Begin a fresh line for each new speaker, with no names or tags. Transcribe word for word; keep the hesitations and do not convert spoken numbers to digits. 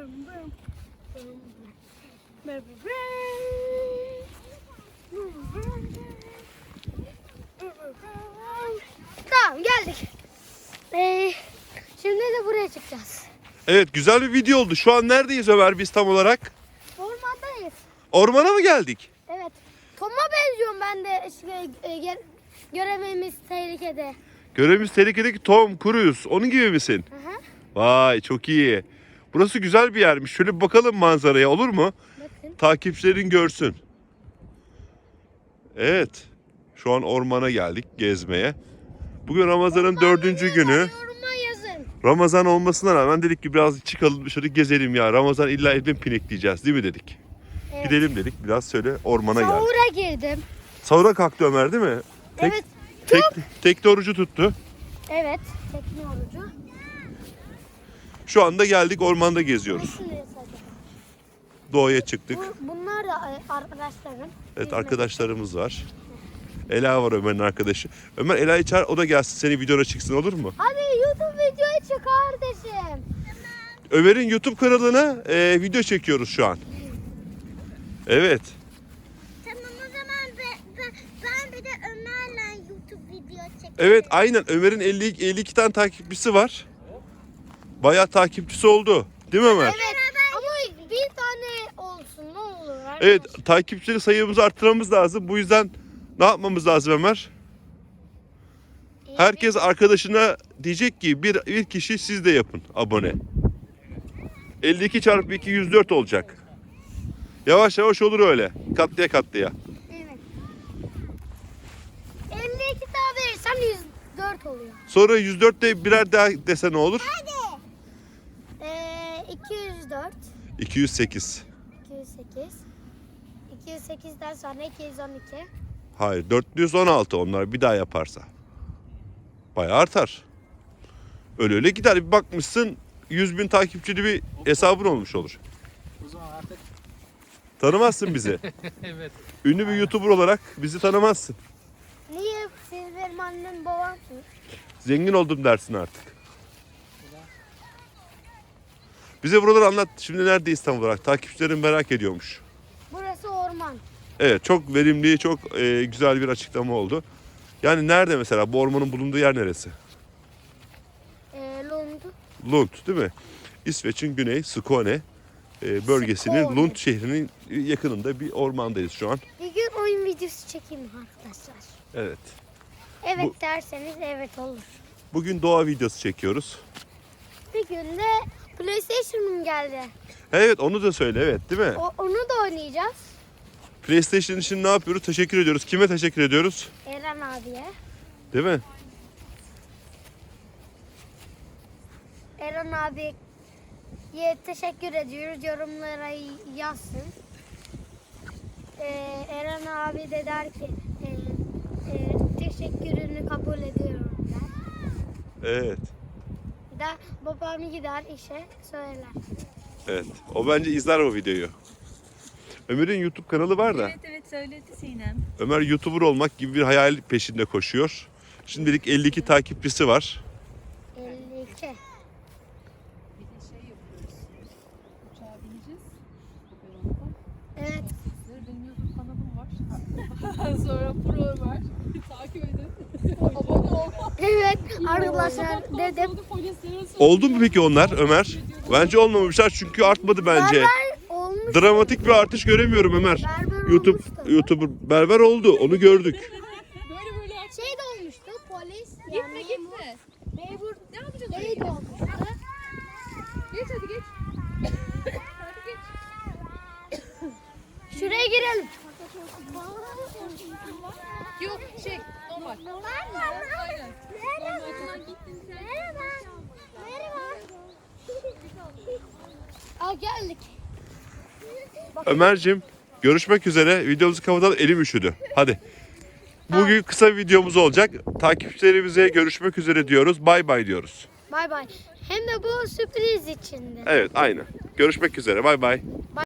Tamam, geldik. Ee, şimdi de buraya çıkacağız.
Evet, güzel bir video oldu. Şu an neredeyiz Ömer biz tam olarak?
Ormandayız.
Ormana mı geldik?
Evet. Tom'a benziyorum ben de. Şey, e, gel- görevimiz tehlikede.
Görevimiz tehlikedeki Tom Cruise. Onun gibi misin?
Hı hı.
Vay, çok iyi. Burası güzel bir yermiş. Şöyle bir bakalım manzaraya, olur mu?
Bakın.
Takipçilerin görsün. Evet. Şu an ormana geldik gezmeye. Bugün Ramazan'ın dördüncü günü.
Yoruma yazın.
Ramazan olmasına rağmen dedik ki biraz çıkalım dışarı gezelim ya. Ramazan illa evden pinekleyeceğiz değil mi dedik.
Evet.
Gidelim dedik. Biraz şöyle ormana geldik.
Sahura girdim.
Sahura kalktı Ömer değil mi? Tek,
Evet.
Tek, tekne orucu tuttu.
Evet. Tekne orucu.
Şu anda geldik, ormanda geziyoruz.
Hangisini sadece?
Doğaya çıktık.
Bu, bunlar da e, arkadaşlarım.
Evet,
Yüzme.
arkadaşlarımız var. Ela var Ömer'in arkadaşı. Ömer Ela'yı çağır, o da gelsin, senin videona çıksın, olur mu?
Hadi YouTube videoya çık kardeşim.
Ömer'in YouTube kanalına e, video çekiyoruz şu an. Evet.
Tamam, o zaman ben, ben, ben bir de Ömer'le YouTube video çekeceğim.
Evet, aynen. Ömer'in elli, elli iki tane takipçisi var. Bayağı takipçisi oldu. Değil mi Ömer?
Evet. Ama bir tane olsun ne olur.
Evet, takipçileri sayımızı arttırmamız lazım. Bu yüzden ne yapmamız lazım Ömer? Herkes arkadaşına diyecek ki bir, bir kişi siz de yapın abone. elli iki çarpı iki yüz dört olacak. Yavaş yavaş olur öyle. Katlıya katlıya.
Evet. elli iki daha verirsem yüz dört oluyor.
Sonra yüz dörtte birer daha dese ne olur?
Ee, iki yüz dört.
iki yüz sekiz.
iki yüz sekiz. iki yüz sekizden sonra iki yüz on iki.
Hayır, dört yüz on altı onlar bir daha yaparsa. Bayağı artar. Öyle öyle gider. Bir bakmışsın yüz bin takipçili bir hesabın olmuş olur.
O zaman artık
Tanımazsın bizi.
evet.
Ünlü bir YouTuber olarak bizi tanımazsın.
Niye? Siz benim annem babamsınız.
Zengin oldum dersin artık. Bize buraları anlat. Şimdi neredeyiz tam olarak? Takipçilerim merak ediyormuş.
Burası orman.
Evet, çok verimli, çok e, güzel bir açıklama oldu. Yani nerede mesela? Bu ormanın bulunduğu yer neresi?
Ee, Lund.
Lund değil mi? İsveç'in güney Skåne e, bölgesinin
Skåne.
Lund şehrinin yakınında bir ormandayız şu an.
Bir gün oyun videosu çekeyim mi arkadaşlar?
Evet.
Evet
Bu-
derseniz evet olur.
Bugün doğa videosu çekiyoruz.
Bir gün de PlayStation'ım geldi.
Evet, onu da söyle, evet değil mi?
O, onu da oynayacağız.
PlayStation için ne yapıyoruz? Teşekkür ediyoruz. Kime teşekkür ediyoruz?
Eren abiye.
Değil mi?
Eren abiye teşekkür ediyoruz. Yorumlara yazsın. Ee, Eren abi de der ki e, e, teşekkürünü kabul ediyorum der.
Evet.
Bir de babam gider işe söyler.
Evet. O bence izler o videoyu. Ömer'in YouTube kanalı var da
Evet evet söyledi Sinem.
Ömer YouTuber olmak gibi bir hayal peşinde koşuyor. Şimdilik elli iki takipçisi var.
elli iki.
Bir de şey yapıyoruz. Uçağa bineceğiz. Operonda.
Evet.
Benim YouTube kanalım var. Sonra pro var. Takip edin. Abone ol.
Evet arkadaşlar dedim.
Oldu mu peki onlar Ömer? Bence olmamışlar çünkü artmadı bence.
Berber olmuş.
Dramatik bir artış göremiyorum Ömer.
Berber
YouTube
olmuştu.
YouTuber berber oldu. Onu gördük.
Böyle böyle aç.
Şey de olmuştu polis.
Gitme
yani
gitme.
Memur
Ne yapacağız
şey
öyle?
de olmuştu.
Geç hadi geç. Hadi geç.
Şuraya girelim.
Yok şey normal. Aynen. Normalden gittin sen.
Merhaba. Merhaba. Aa geldik.
Ömer'cim görüşmek üzere. Videomuzu kapatalım. Elim üşüdü. Hadi. Bugün kısa bir videomuz olacak. Takipçilerimize görüşmek üzere diyoruz. Bay bay diyoruz.
Bay bay. Hem de bu sürpriz içinde.
Evet, aynen. Görüşmek üzere. Bay bay.